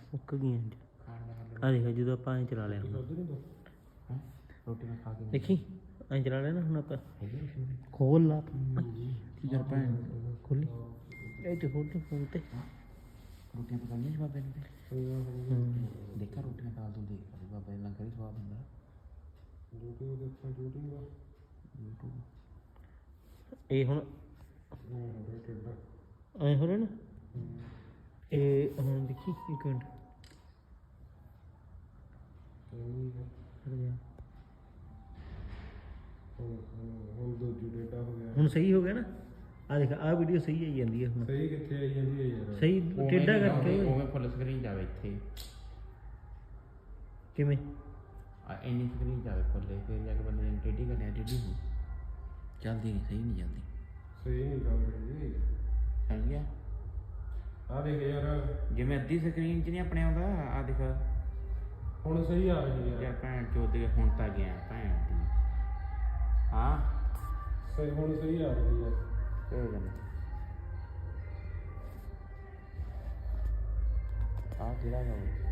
ਮੁੱਕ ਗਈਆਂ ਆ ਦੇਖ ਜਦੋਂ ਆਪਾਂ ਐਂ ਚਲਾ ਲਿਆ ਰੋਟੀ ਮੈਂ ਖਾ ਕੇ ਦੇਖੀ ਐਂ ਚਲਾ ਲਿਆ ਨਾ ਹੁਣ ਆਪਾਂ ਖੋਲ ਲਾ ਕੀ ਕਰ ਭੈਣ ਖੋਲੀ ਇਹ ਤੇ ਖੋਲ ਫੋਨ ਤੇ ਰੋਟੀਆਂ ਪਕਾਈਆਂ ਸੀ ਬਾਬੇ ਨੇ ਦੇਖਾ ਰੋਟੀਆਂ ਖਾ ਤੂੰ ਦੇਖ ਬਾਬਾ ਨੇ ਲੰਗਰ ਹੀ ਸਵਾਦ ਹੁੰਦਾ YouTube ਇਹ ਹੁਣ ਐਂ ਹੋ ਰਿਹਾ ਨਾ ਇਹ ਹੁਣ ਦੇਖੀ ਇੱਕ ਮਿੰਟ ਹੁਣ ਸਹੀ ਹੋ ਗਿਆ ਨਾ ਆ ਦੇਖ ਆ ਵੀਡੀਓ ਸਹੀ ਆਈ ਜਾਂਦੀ ਹੈ ਹੁਣ ਸਹੀ ਕਿੱਥੇ ਆਈ ਜਾਂਦੀ ਹੈ ਯਾਰ ਸਹੀ ਟੇਢਾ ਕਰਕੇ ਉਵੇਂ ਫੁੱਲ ਸਕਰੀਨ ਜਾਵੇ ਇੱਥੇ ਕਿਵੇਂ ਆ ਇੰਨੀ ਸਕਰੀਨ ਜਾਵੇ ਫੁੱਲੇ ਫਿਰ ਜਾ ਕੇ ਬੰਦੇ ਨੇ ਟੇਢੀ ਕਰਨੀ ਟੇਢੀ ਹੋ ਚੱਲਦੀ ਨਹੀਂ ਸਹੀ ਨਹੀਂ ਜਾਂਦੀ ਸਹੀ ਨਹੀਂ ਚੱਲ ਰਹੀ ਸਮਝ ਗਿਆ ਆ ਦੇਖ ਯਾਰ ਜਿਵੇਂ ਅੱਧੀ ਸਕਰੀਨ 'ਚ ਨਹੀਂ ਆਪਣੇ ਆਉਂਦਾ ਆ ਦੇਖ ਹੁਣ ਸਹੀ ਆ ਰਹੀ ਹੈ ਯਾਰ ਭੈਣ ਚੋਦ ਦੇ ਹੁਣ ਤਾਂ ਗਿਆ ਭੈਣ ਦੀ ਹਾਂ ਸਹੀ ਹੁਣ ਸਹੀ ਆ ਰਹੀ ਹੈ ਇਹ ਗੱਲ ਆ ਜਿਹੜਾ ਹੈ